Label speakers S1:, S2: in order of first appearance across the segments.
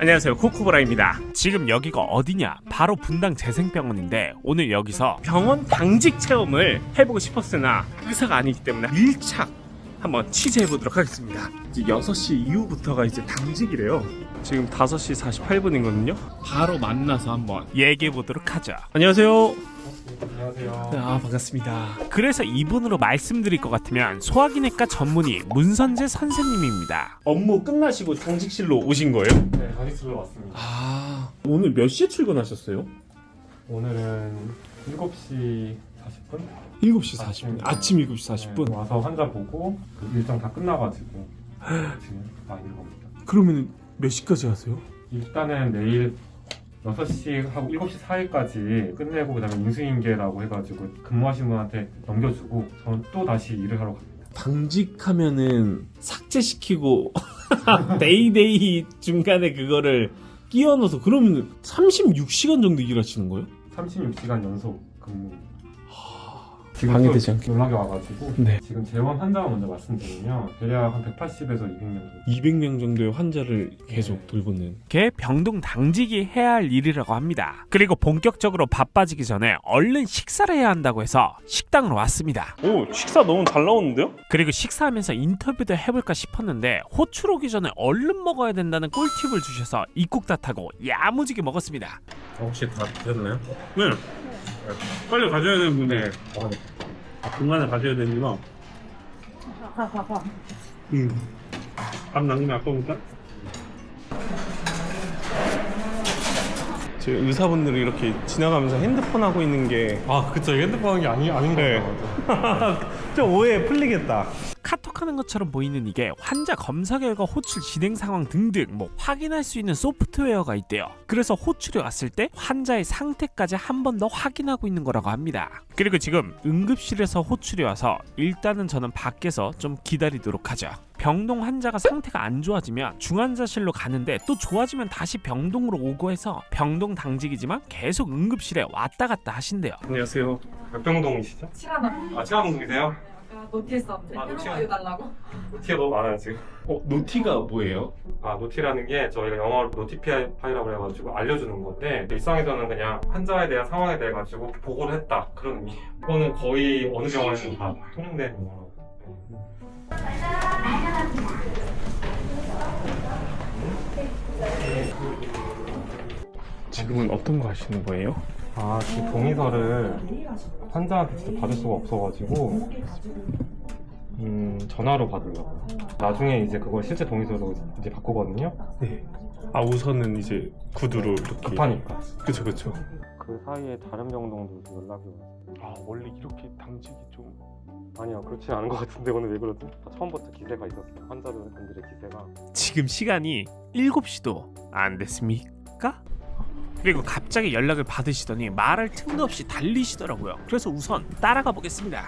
S1: 안녕하세요, 코코보라입니다. 지금 여기가 어디냐? 바로 분당 재생병원인데 오늘 여기서 병원 당직 체험을 해보고 싶었으나 의사가 아니기 때문에 밀착 한번 취재해보도록 하겠습니다. 이제 6시 이후부터가 이제 당직이래요. 지금 5시 48분이거든요. 바로 만나서 한번 얘기해보도록 하죠. 안녕하세요.
S2: 안녕하세요.
S1: 아, 반갑습니다. 그래서 이분으로 말씀드릴 것 같으면 소화기내과 전문의 문선재 선생님입니다. 업무 끝나시고 당직실로 오신 거예요?
S2: 네, 당직실로 왔습니다.
S1: 아, 오늘 몇 시에 출근하셨어요?
S2: 오늘은 7시 40분?
S1: 7시 40분. 아침 7시 40분.
S2: 네, 와서 환자 보고 그 일정 다 끝나가지고 지금 와 있는 겁니다.
S1: 그러면 몇 시까지 하세요?
S2: 일단은 내일 6시 하고 7시 사이까지 끝내고 그다음에 인수인계라고 해가지고 근무하신 분한테 넘겨주고 저는 또 다시 일을 하러 갑니다.
S1: 당직하면은 삭제시키고 데이데이 중간에 그거를 끼워 넣어서 그러면 36시간 정도 일하시는 거예요?
S2: 36시간 연속 근무.
S1: 방해되지
S2: 또
S1: 않게.
S2: 연락이 와가지고
S1: 네.
S2: 지금 재원 환자가 먼저 말씀드리면 대략 한 180에서 200명 정도.
S1: 200명 정도의 환자를 계속 돌보는 게 병동 당직이 해야 할 일이라고 합니다. 그리고 본격적으로 바빠지기 전에 얼른 식사를 해야 한다고 해서 식당으로 왔습니다. 오, 식사 너무 잘 나오는데요? 그리고 식사하면서 인터뷰도 해볼까 싶었는데 호출 오기 전에 얼른 먹어야 된다는 꿀팁을 주셔서 입국다타고 야무지게 먹었습니다.
S3: 혹시 다 드셨나요? 네. 빨리 가셔야 되는 분에 중간에 가셔야 되는구나. 밥 남기면 아까우니까.
S1: 지금 의사분들이 이렇게 지나가면서 핸드폰 하고 있는 게
S2: 그쵸. 핸드폰 하는 게 아닌
S1: 네.
S2: 거죠.
S1: 좀 오해 풀리겠다. 카톡하는 것처럼 보이는 이게 환자 검사 결과 호출 진행 상황 등등 확인할 수 있는 소프트웨어가 있대요. 그래서 호출이 왔을 때 환자의 상태까지 한 번 더 확인하고 있는 거라고 합니다. 그리고 지금 응급실에서 호출이 와서 일단은 저는 밖에서 좀 기다리도록 하죠. 병동 환자가 상태가 안 좋아지면 중환자실로 가는데 또 좋아지면 다시 병동으로 오고 해서 병동 당직이지만 계속 응급실에 왔다 갔다 하신대요.
S2: 안녕하세요. 백병동이시죠?
S4: 칠하나
S2: 치아동동이세요?
S4: 노티에 썼는데
S2: 아, 노티야.
S4: 새로 달라고.
S2: 노티가 너무 많아요 지금.
S1: 노티가 뭐예요?
S2: 노티라는 게 저희가 영어로 노티파이라고 해가지고 알려주는 건데 일상에서는 그냥 환자에 대한 상황에 대해 가지고 보고를 했다 그런 의미예요. 이거는 거의 어느 병원에서도 다 통용된 용어라고.
S1: 지금은 어떤 거 하시는 거예요?
S2: 지금 동의서를 환자한테 직접 받을 수가 없어가지고 전화로 받으려고요. 나중에 이제 그걸 실제 동의서로 이제 바꾸거든요.
S1: 네. 우선은 이제 구두로 이렇게
S2: 급하니까.
S1: 그쵸.
S2: 그 사이에 다른 병동도 연락이 와요.
S1: 원래 이렇게 당직이 좀
S2: 아니요, 그렇지 않은 것 같은데 오늘 왜 그러지? 처음부터 기세가 있었어요. 환자분들의 기세가.
S1: 지금 시간이 7시도 안 됐습니까? 그리고 갑자기 연락을 받으시더니 말할 틈도 없이 달리시더라고요. 그래서 우선 따라가 보겠습니다.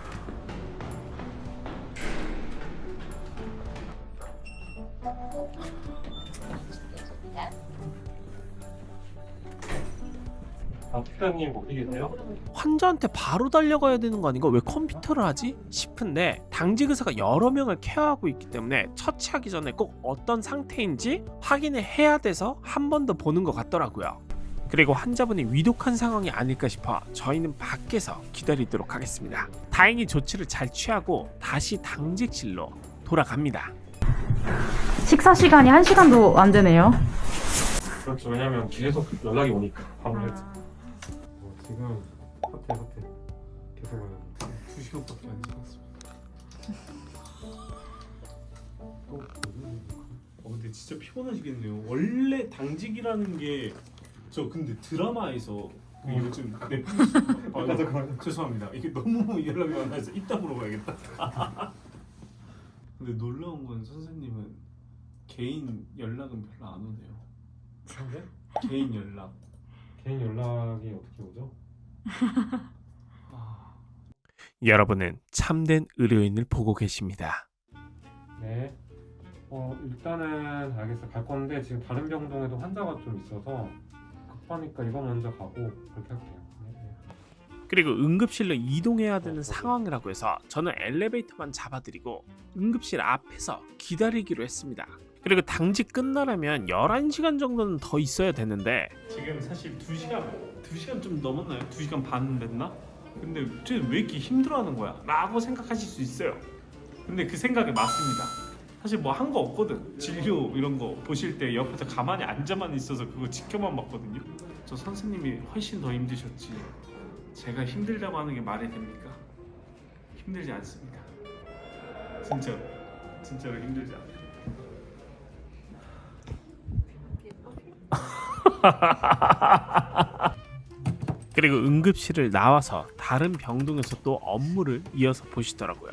S2: 특별님 어디 계세요?
S1: 환자한테 바로 달려가야 되는 거 아닌가? 왜 컴퓨터를 하지? 싶은데 당직 의사가 여러 명을 케어하고 있기 때문에 처치하기 전에 꼭 어떤 상태인지 확인을 해야 돼서 한 번 더 보는 것 같더라고요. 그리고 환자분이 위독한 상황이 아닐까 싶어 저희는 밖에서 기다리도록 하겠습니다. 다행히 조치를 잘 취하고 다시 당직실로 돌아갑니다.
S4: 식사 시간이 1시간도 안 되네요.
S2: 그렇죠. 왜냐면 계속 연락이 오니까 아무래도. 지금 호텔 계속 오는
S1: 2시간밖에 안 지났습니다. 근데 진짜 피곤하시겠네요. 원래 당직이라는 게 저 근데 드라마에서 요즘 넷플릭스 죄송합니다. 이게 너무 연락이 많아서 이따 물어봐야겠다. 근데 놀라운 건 선생님은 개인 연락은 별로 안 오네요.
S2: 네?
S1: 개인 연락.
S2: 개인 연락이 어떻게 오죠?
S1: 여러분은 참된 의료인을 보고 계십니다.
S2: 네. 일단은 알겠어요. 갈 건데 지금 다른 병동에도 환자가 좀 있어서 급하니까 이거 먼저 가고 그렇게 할게요. 네.
S1: 그리고 응급실로 이동해야 되는 상황이라고 해서 저는 엘리베이터만 잡아드리고 응급실 앞에서 기다리기로 했습니다. 그리고 당직 끝나려면 11시간 정도는 더 있어야 되는데 지금 사실 2시간 좀 넘었나요? 2시간 반 됐나? 근데 쟤는 왜 이렇게 힘들어하는 거야? 라고 생각하실 수 있어요. 근데 그 생각이 맞습니다. 사실 뭐 한 거 없거든. 진료 이런 거 보실 때 옆에서 가만히 앉아만 있어서 그거 지켜만 봤거든요. 저 선생님이 훨씬 더 힘드셨지. 제가 힘들다고 하는 게 말이 됩니까? 힘들지 않습니다. 진짜로 힘들지 않아요. 그리고 응급실을 나와서 다른 병동에서 또 업무를 이어서 보시더라고요.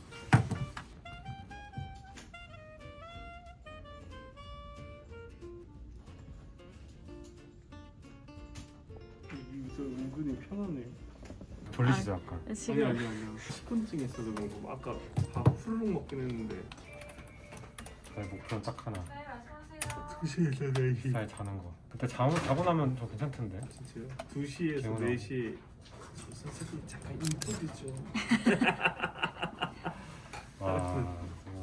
S3: 여기서 은근히 편하네.
S2: 졸리시죠 아까?
S3: 아니야. 식곤증 있어서 그런 거. 아까 밥 훌룩 먹긴 했는데.
S2: 저희 목표는 딱 하나.
S3: 2시에서 4시.
S2: 잘 자는 거. 그때 자고 나면 좀 괜찮던데.
S3: 진짜요? 2시에서
S2: 개운하고.
S3: 4시. 선생님 잠깐 인터뷰 좀.
S2: 와.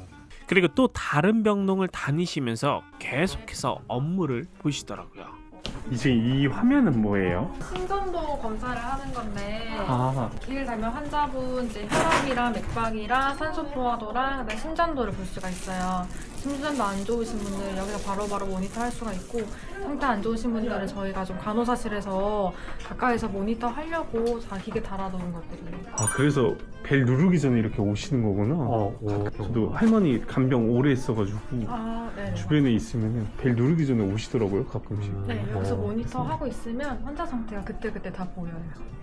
S1: 그리고 또 다른 병동을 다니시면서 계속해서 업무를 보시더라고요.
S3: 이제 이 화면은 뭐예요?
S4: 심전도 검사를 하는 건데
S3: 아,
S4: 길 달면 환자분 이제 혈압이랑 맥박이랑 산소 포화도랑 그다음에 심전도를 볼 수가 있어요. 심전도 안 좋으신 분들 여기서 바로바로 모니터 할 수가 있고 상태 안 좋으신 분들은 저희가 좀 간호사실에서 가까이서 모니터 하려고 다 기계 달아놓은 것들이에요.
S3: 아 그래서 벨 누르기 전에 이렇게 오시는 거구나. 저도 할머니 간병 오래 했어가지고
S4: 네.
S3: 주변에 있으면 벨 누르기 전에 오시더라고요 가끔씩.
S4: 네, 여기서 모니터 하고 있으면 환자 상태가 그때그때 다 보여요.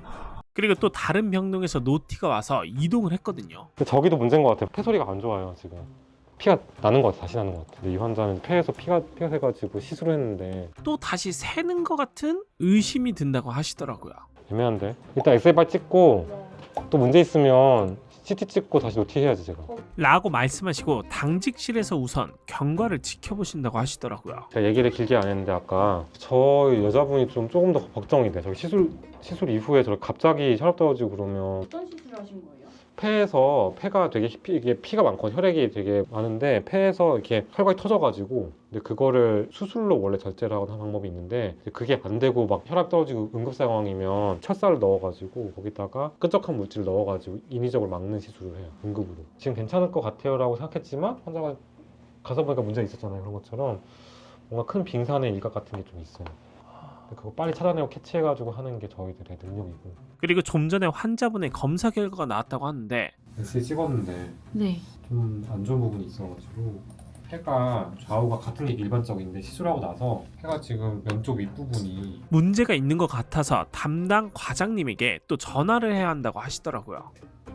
S1: 그리고 또 다른 병동에서 노티가 와서 이동을 했거든요.
S2: 저기도 문제인 것 같아요. 폐소리가 안 좋아요 지금. 피가 나는 것 같아. 다시 나는 것 같아. 근데 이 환자는 폐에서 피가 새가지고 시술을 했는데
S1: 또 다시 새는 것 같은 의심이 든다고 하시더라고요.
S2: 애매한데. 일단 엑스레이 빨리 찍고 또 문제 있으면 CT 찍고 다시 노티 해야지 제가.
S1: 라고 말씀하시고 당직실에서 우선 경과를 지켜보신다고 하시더라고요.
S2: 제가 얘기를 길게 안 했는데 아까 저 여자분이 조금 더 걱정이 돼. 저기 시술 이후에 저 갑자기 혈압 떨어지고 그러면
S5: 어떤 시술을 하신 거예요?
S2: 폐에서 폐가 되게 이게 피가 많고 혈액이 되게 많은데 폐에서 이렇게 혈관이 터져가지고 근데 그거를 수술로 원래 절제를 하는 방법이 있는데 그게 안 되고 막 혈압 떨어지고 응급 상황이면 철사를 넣어가지고 거기다가 끈적한 물질을 넣어가지고 인위적으로 막는 시술을 해요. 응급으로. 지금 괜찮을 것 같아요라고 생각했지만 환자가 가서 보니까 문제가 있었잖아요. 그런 것처럼 뭔가 큰 빙산의 일각 같은 게 좀 있어요. 그거 빨리 찾아내고 캐치해가지고 하는 게 저희들의 능력이고.
S1: 그리고 좀 전에 환자분의 검사 결과가 나왔다고 하는데
S2: 엑스레이 찍었는데
S4: 네.
S2: 좀 안 좋은 부분이 있어가지고 폐가 좌우가 같은 게 일반적인데 시술하고 나서 폐가 지금 왼쪽 윗부분이
S1: 문제가 있는 것 같아서 담당 과장님에게 또 전화를 해야 한다고 하시더라고요.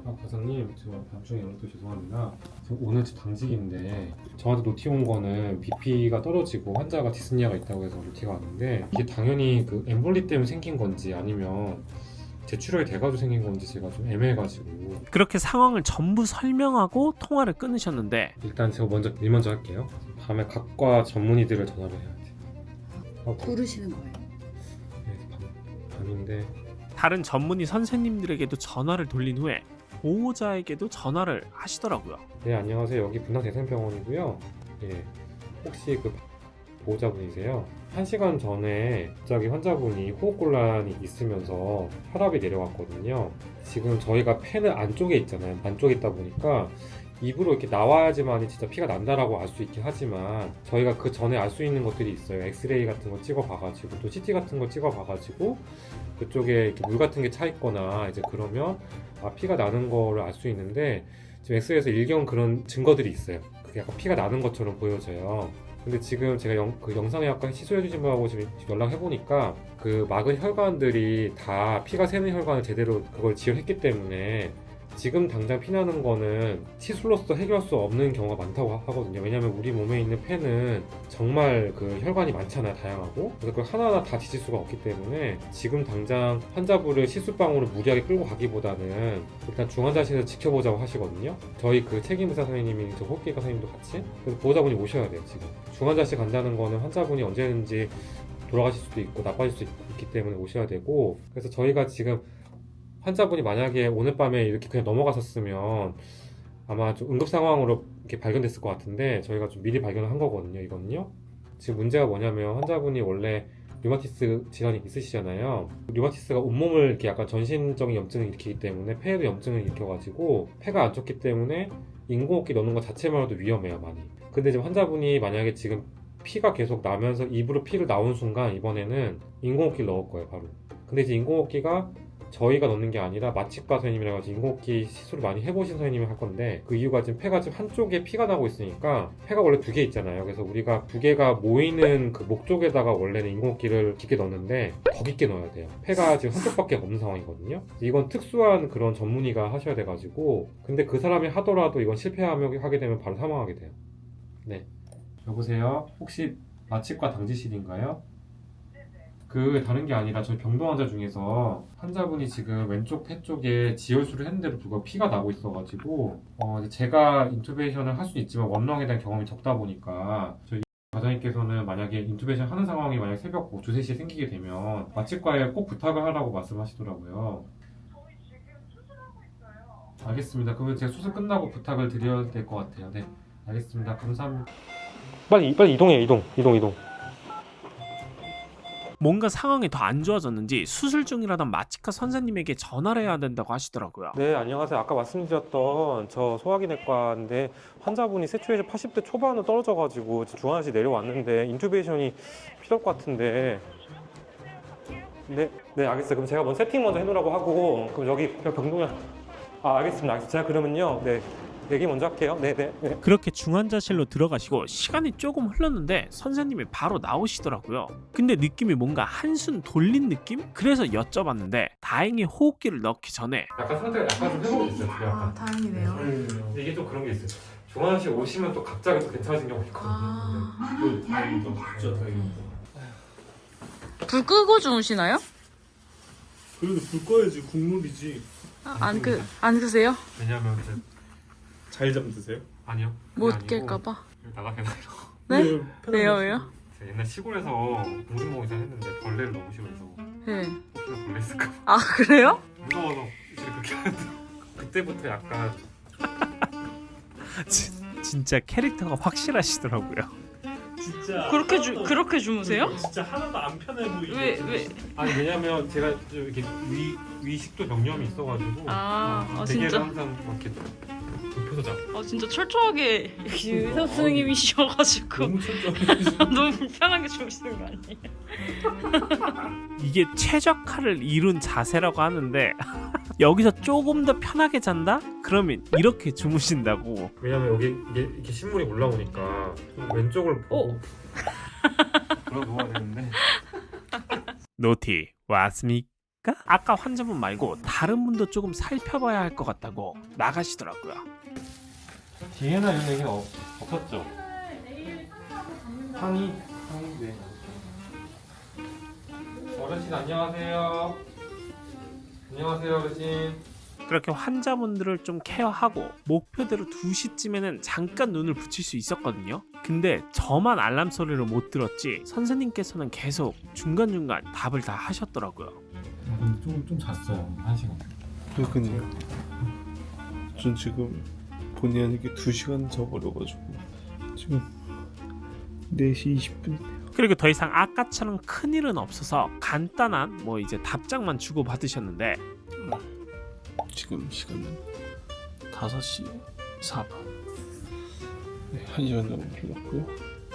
S2: 과장님 저 나중에 연락도 죄송합니다. 저 오늘 당직인데 저한테 노티 온 거는 BP가 떨어지고 환자가 디스니아가 있다고 해서 노티가 왔는데 이게 당연히 그 엠볼리 때문에 생긴 건지 아니면 제출혈이 돼가지고 생긴 건지 제가 좀 애매해가지고
S1: 그렇게 상황을 전부 설명하고 통화를 끊으셨는데
S2: 일단 제가 일 먼저 할게요. 밤에 각과 전문의들을 전화를 해야 돼.
S5: 부르시는 거예요?
S2: 밤인데
S1: 다른 전문의 선생님들에게도 전화를 돌린 후에 보호자에게도 전화를 하시더라고요.
S2: 네 안녕하세요. 여기 분당대생병원이고요. 예, 혹시 그 보호자분이세요? 1시간 전에 갑자기 환자분이 호흡곤란이 있으면서 혈압이 내려왔거든요. 지금 저희가 폐는 안쪽에 있잖아요. 안쪽에 있다 보니까 입으로 이렇게 나와야지만 진짜 피가 난다라고 알 수 있긴 하지만 저희가 그 전에 알 수 있는 것들이 있어요. 엑스레이 같은 거 찍어봐가지고 또 CT 같은 거 찍어봐가지고 그쪽에 이렇게 물 같은 게 차 있거나 이제 그러면 피가 나는 거를 알 수 있는데 지금 엑스레이에서 일경 그런 증거들이 있어요. 그게 약간 피가 나는 것처럼 보여져요. 근데 지금 제가 그 영상에 아까 시술해주신 분하고 지금 연락해보니까 그 막은 혈관들이 다 피가 새는 혈관을 제대로 그걸 지혈했기 때문에 지금 당장 피나는 거는 시술로서 해결할 수 없는 경우가 많다고 하거든요. 왜냐면 우리 몸에 있는 폐는 정말 그 혈관이 많잖아요. 다양하고. 그래서 그걸 하나하나 다 뒤질 수가 없기 때문에 지금 당장 환자분을 시술방으로 무리하게 끌고 가기보다는 일단 중환자실에서 지켜보자고 하시거든요. 저희 그 책임의사 선생님이 저 호흡기과 선생님도 같이. 그래서 보호자분이 오셔야 돼요. 지금 중환자실 간다는 거는 환자분이 언제든지 돌아가실 수도 있고 나빠질 수 있기 때문에 오셔야 되고. 그래서 저희가 지금 환자분이 만약에 오늘 밤에 이렇게 그냥 넘어갔었으면 아마 좀 응급 상황으로 이렇게 발견됐을 것 같은데 저희가 좀 미리 발견을 한 거거든요. 이거는요. 지금 문제가 뭐냐면 환자분이 원래 류마티스 질환이 있으시잖아요. 류마티스가 온몸을 이렇게 약간 전신적인 염증을 일으키기 때문에 폐에도 염증을 일으켜가지고 폐가 안 좋기 때문에 인공호흡기 넣는 것 자체만으로도 위험해요, 많이. 근데 지금 환자분이 만약에 지금 피가 계속 나면서 입으로 피를 나온 순간 이번에는 인공호흡기를 넣을 거예요, 바로. 근데 이제 인공호흡기가 저희가 넣는 게 아니라 마취과 선생님이라 가지고 인공호흡기 시술을 많이 해보신 선생님이 할 건데 그 이유가 지금 폐가 지금 한쪽에 피가 나고 있으니까 폐가 원래 2개 있잖아요. 그래서 우리가 2개가 모이는 그 목 쪽에다가 원래는 인공호흡기를 깊게 넣는데 더 깊게 넣어야 돼요. 폐가 지금 한쪽밖에 없는 상황이거든요. 이건 특수한 그런 전문의가 하셔야 돼가지고 근데 그 사람이 하더라도 이건 실패하게 하게 되면 바로 사망하게 돼요. 네. 여보세요? 혹시 마취과 당지실인가요? 그 다른 게 아니라 저희 병동 환자 중에서 환자분이 지금 왼쪽 폐 쪽에 지혈술을 했는데도 불구하고 피가 나고 있어가지고 이제 제가 인투베이션을 할 수 있지만 원렁에 대한 경험이 적다 보니까 저희 과장님께서는 만약에 인투베이션 하는 상황이 만약 새벽 2, 3시에 생기게 되면 마취과에 꼭 부탁을 하라고 말씀하시더라고요. 알겠습니다. 그러면 제가 수술 끝나고 부탁을 드려야 될 것 같아요. 네, 알겠습니다. 감사합니다. 빨리 이동해. 이동.
S1: 뭔가 상황이 더 안 좋아졌는지 수술 중이라던 마취과 선생님에게 전화를 해야 된다고 하시더라고요.
S2: 네, 안녕하세요. 아까 말씀드렸던 저 소화기내과인데 환자분이 세추에이션 80대 초반으로 떨어져가지고 중환자실 내려왔는데 인투베이션이 필요할 것 같은데. 네, 알겠어요. 그럼 제가 먼저 세팅 먼저 해놓으라고 하고 그럼 여기 병동에 알겠습니다. 제가 그러면요, 네, 얘기 먼저 할게요. 네.
S1: 그렇게 중환자실로 들어가시고 시간이 조금 흘렀는데 선생님이 바로 나오시더라고요. 근데 느낌이 뭔가 한숨 돌린 느낌? 그래서 여쭤봤는데 다행히 호흡기를 넣기 전에
S2: 약간 상태가 약간 좀 회복됐어요. 약간.
S4: 다행이네요.
S2: 근데 이게 좀 그런 게 있어요. 중환자실 오시면 또 갑자기 또 괜찮아진 경우가 있거든요.
S3: 다행이다. 진짜 다행이다.
S5: 불 끄고 주무시나요?
S3: 그래도 불 꺼야지 국물이지.
S5: 안 끄세요?
S2: 왜냐면 이제
S3: 잘 잠드세요?
S2: 아니요.
S5: 못
S2: 그게 아니고
S5: 깰까봐.
S2: 나가게 돼요.
S5: 네? 왜요?
S2: 제가 옛날 시골에서 공중봉이사 했는데 벌레를 너무 싫어해서
S5: 네.
S2: 혹시나 벌레 있을까 봐
S5: 아 그래요?
S2: 무서워서 이제 그렇게 하는데 그때부터 약간
S1: 진짜 캐릭터가 확실하시더라고요.
S3: 진짜
S5: 그렇게 주무세요?
S3: 진짜 하나도 안 편해 보이게.
S5: 왜?
S2: 아니 왜냐면 제가 좀 이렇게 위식도 병염이 있어가지고 베개를
S5: 진짜?
S2: 항상 막 이렇게 눕혀서 자고
S5: 진짜 철저하게 의사 선생님이셔가지고
S3: 너무 철저해.
S5: 너무 불편하게 주무시는 거 아니에요?
S1: 이게 최적화를 이룬 자세라고 하는데 여기서 조금 더 편하게 잔다? 그러면 이렇게 주무신다고.
S2: 왜냐면 여기 이렇게 신물이 올라오니까 좀 왼쪽을 보고 그러고 누워야 되는데
S1: 노티 왔습니까? 아까 환자분 말고 다른 분도 조금 살펴봐야 할 것 같다고 나가시더라고요.
S2: 뒤에나 이런 얘기는 없었죠? 항의 네. 어르신 안녕하세요. 안녕하세요 어르신.
S1: 그렇게 환자분들을 좀 케어하고 목표대로 2시쯤에는 잠깐 눈을 붙일 수 있었거든요. 근데 저만 알람 소리를 못 들었지 선생님께서는 계속 중간중간 답을 다 하셨더라고요.
S2: 좀 잤어요. 1시간.
S6: 그러니까요. 전 지금 본의 아니게 2시간 자버려가지고 지금 4시 20분.
S1: 그리고 더 이상 아까처럼 큰일은 없어서 간단한 뭐 이제 답장만 주고 받으셨는데
S6: 지금 시간은 5시 4분. 네, 1시간 정도 흘렀고요.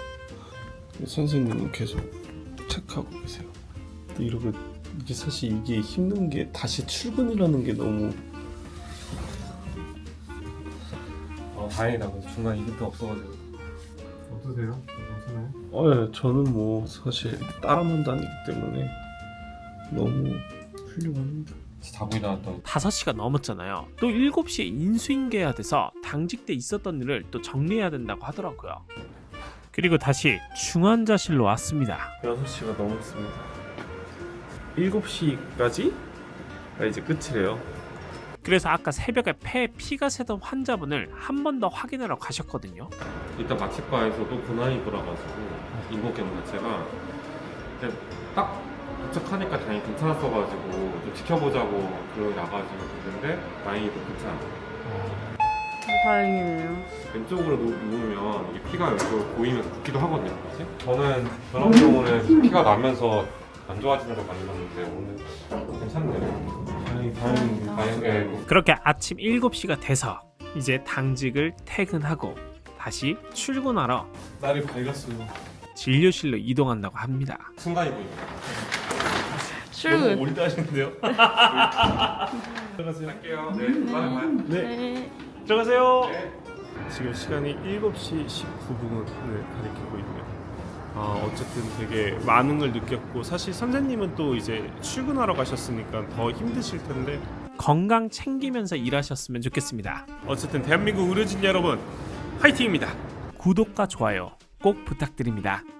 S6: 선생님은 계속 체크하고 계세요. 근데 이렇게 이게 사실 이게 힘든 게 다시 출근이라는 게 너무
S2: 다행이다. 중간 이벤트 없어가지고. 어떠세요? 괜찮아요?
S6: 네, 저는 뭐 사실 따라만 다니기 때문에 너무 훌륭합니다.
S2: 자고 일어났던
S1: 5시가 넘었잖아요. 또 7시에 인수인계해야 돼서 당직 때 있었던 일을 또 정리해야 된다고 하더라고요. 그리고 다시 중환자실로 왔습니다.
S6: 6시가 넘었습니다. 7시까지? 이제 끝이래요.
S1: 그래서 아까 새벽에 폐에 피가 새던 환자분을 한 번 더 확인하러 가셨거든요.
S2: 일단 마취과에서도 고난이 돌아가지고 인공호흡 자체가 그냥 딱 도착하니까 다행히 괜찮았어가지고 좀 지켜보자고 그러고 나가지고 있는데 다행히도 괜찮아.
S5: 다행이네요.
S2: 왼쪽으로 누우면 이게 피가 왼쪽으로 보이면서 붓기도 하거든요. 사실. 저는 그런 경우는 피가 나면서 안 좋아지는 걸 많이 봤는데 오늘 괜찮네요. 다행히.
S1: 그렇게 아침 7시가 돼서 이제 당직을 퇴근하고 다시 출근하러
S6: 날이 밝았어요.
S1: 진료실로 이동한다고 합니다.
S2: 순간이 보입니다.
S6: 너무
S5: 출근.
S6: 올드하신데요?
S2: 할게요. 네, 다음에 봐요.
S5: 네.
S1: 들어가세요.
S6: 지금 시간이 7시 19분을 가리키고 있네요. 어쨌든 되게 많은 걸 느꼈고 사실 선생님은 또 이제 출근하러 가셨으니까 더 힘드실 텐데
S1: 건강 챙기면서 일하셨으면 좋겠습니다.
S6: 어쨌든 대한민국 의료진 여러분 화이팅입니다.
S1: 구독과 좋아요 꼭 부탁드립니다.